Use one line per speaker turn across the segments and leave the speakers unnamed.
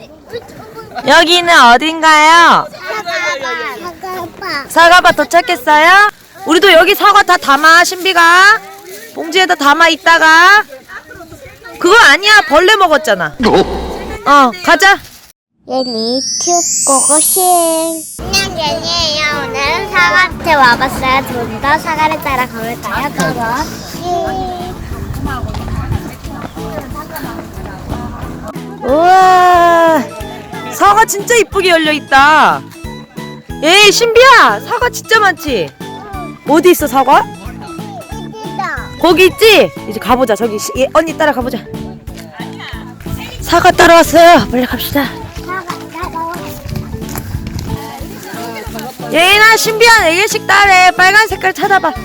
여기는 어딘가요? 사과밭 도착했어요? 우리도 여기 사과 다 담아. 신비가 봉지에다 담아. 있다가 그거 아니야, 벌레 먹었잖아. 가자.
예니 튜고고싱. 안녕, 예니예요. 오늘은 사과밭에 와봤어요. 좀 더 사과를 따라 가볼까요? 고고싱.
우와, 사과 진짜 이쁘게 열려있다. 에이, 신비야, 사과 진짜 많지? 어디 있어, 사과? 거기 있지? 이제 가보자. 저기 언니 따라 가보자. 사과 따라왔어요. 빨리 갑시다. 예인아, 신비야, 4개씩 따래. 빨간 색깔 찾아봐.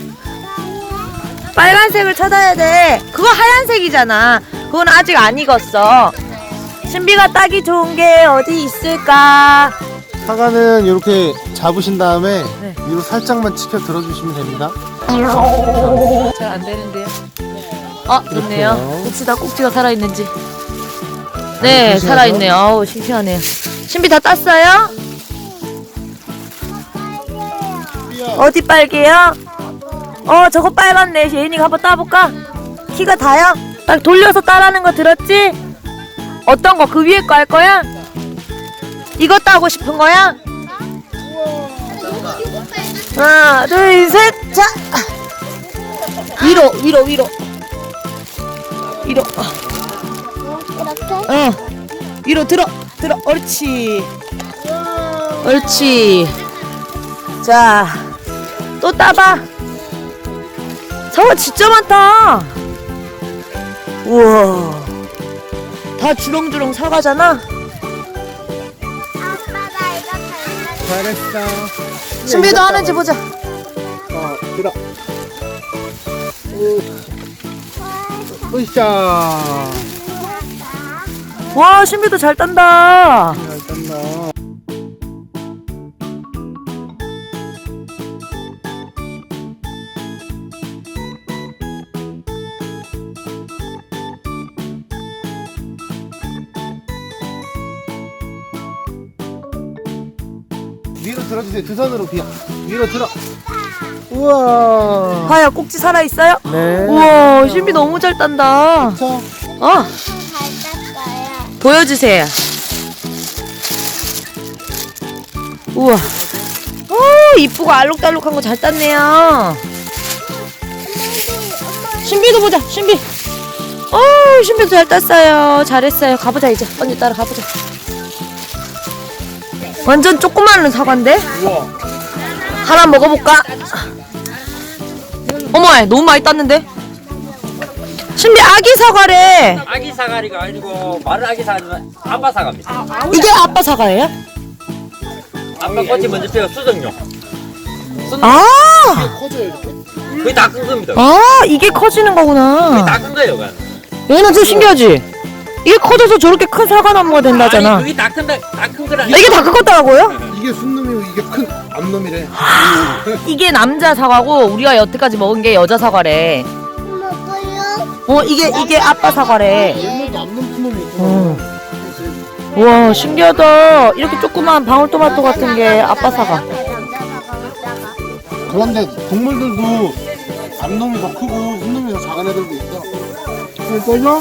빨간색을 찾아야 돼. 그거 하얀색이잖아. 그건 아직 안 익었어. 신비가 따기 좋은 게 어디 있을까?
사과는 이렇게 잡으신 다음에
네.
위로 살짝만 치켜 들어주시면 됩니다.
잘 안 되는데요. 좋네요.
이렇게요.
봅시다, 꼭지가 살아있는지. 네,
보시면서.
살아있네요. 어우, 신기하네요. 신비 다 땄어요? 어디 빨개요? 저거 빨갛네. 예인이가 한번 따볼까? 키가 다요? 딱 돌려서 따라는 거 들었지? 어떤 거? 그 위에 거 할 거야? 이거 따고 싶은 거야? 하나, 둘, 셋, 자! 위로.
이렇게?
위로 들어. 옳지. 자, 또 따봐. 사과 진짜 많다. 우와, 다 주렁주렁 사과잖아.
아빠, 나 이거 닮았어.
잘했어.
신비도 하는지 보자.
들어. 으쌰.
와, 신비도 잘 딴다.
잘 땄나. 위로 들어주세요. 두 손으로 위로 들어. 우와.
봐요, 꼭지 살아있어요?
네.
우와, 신비 너무 잘 딴다.
자,
잘 땄어요.
보여주세요. 우와. 이쁘고 알록달록한 거 잘 땄네요. 신비도 보자, 신비. 신비도 잘 땄어요. 잘했어요. 가보자, 이제. 언니 따라 가보자. 완전 조그마한 사과인데?
우와.
하나 먹어볼까? 어머, 너무 많이 땄는데? 신비 아기 사과래.
아기 사과리가 아니고 마른 아기 사과는 아빠 사과입니다.
이게 아빠 사과예요?
아빠 꽃이 먼저 피어 수정용.
아,
커져요, 이렇게?
거의 다 큰 겁니다.
이게 커지는
거의
거구나.
다 큰 거예요, 그건.
얘는 좀 신기하지? 이게 커져서 저렇게 큰 사과나무가 된다잖아.
아니, 거의 다 큰 거라.
이게 다 컸다고요?
이게 순놈이고 이게 큰 암놈이래.
이게 남자 사과고 우리가 여태까지 먹은 게 여자 사과래.
먹어요?
이게 아빠 사과래.
얘네도 암놈 큰 놈이 있구나.
우와, 신기하다. 이렇게 조그만 방울토마토 같은 게 아빠 사과.
그런데 동물들도 암놈이 더 크고 순놈이 더 작은 애들도 있어. 그래서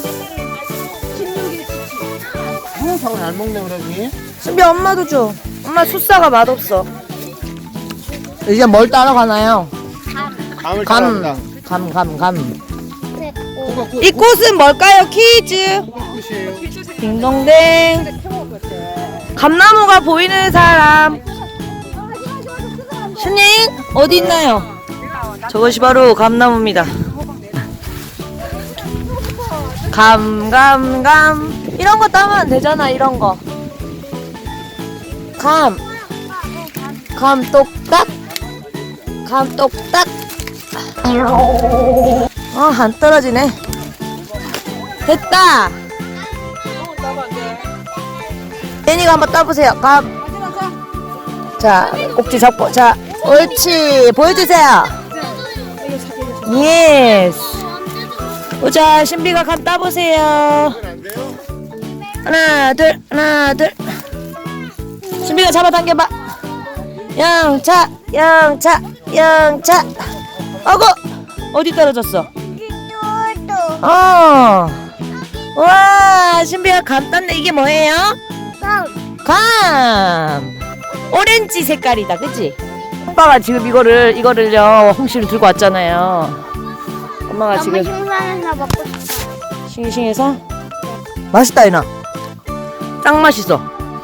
사과 잘 먹네 그러지.
신비 엄마도 줘. 엄마 숫사가 맛없어. 이제 뭘 따러 가나요?
감을 따라합니다.
감.
호박
이 꽃은 뭘까요? 퀴즈.
꽃이에요.
딩동댕. 감나무가 보이는 사람. 신님 어디 있나요? 저것이 바로 감나무입니다. 감 이런 거 따면 되잖아. 이런 거. 감 똑딱. 안 떨어지네. 됐다. 애니가 한번 따보세요. 자, 꼭지 잡고. 자, 옳지. 보여주세요. 예스. 보자, 신비가 감 따보세요. 하나 둘 하나 둘. 신비가 잡아당겨봐. 영차 영차 영차. 어구 어디 떨어졌어?
또
와 신비가 감 땄네. 이게 뭐예요? 감 오렌지 색깔이다 그치? 오빠가 지금 이거를요 홍시를 들고 왔잖아요. 엄마가
너무
지금
신선해서 먹고 싶어.
싱싱해서 맛있다 이나. 짱 맛있어.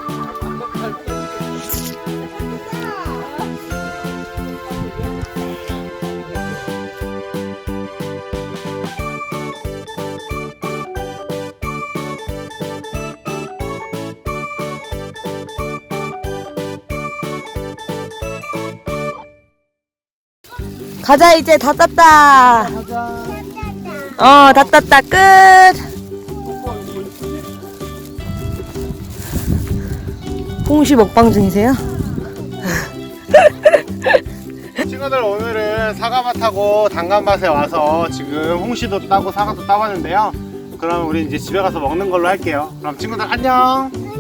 가자 이제 다 땄다. 다 땄다 끝. 홍시 먹방 중이세요?
친구들 오늘은 사과밭하고 단감밭에 와서 지금 홍시도 따고 사과도 따봤는데요. 그럼 우리 이제 집에 가서 먹는 걸로 할게요. 그럼 친구들 안녕.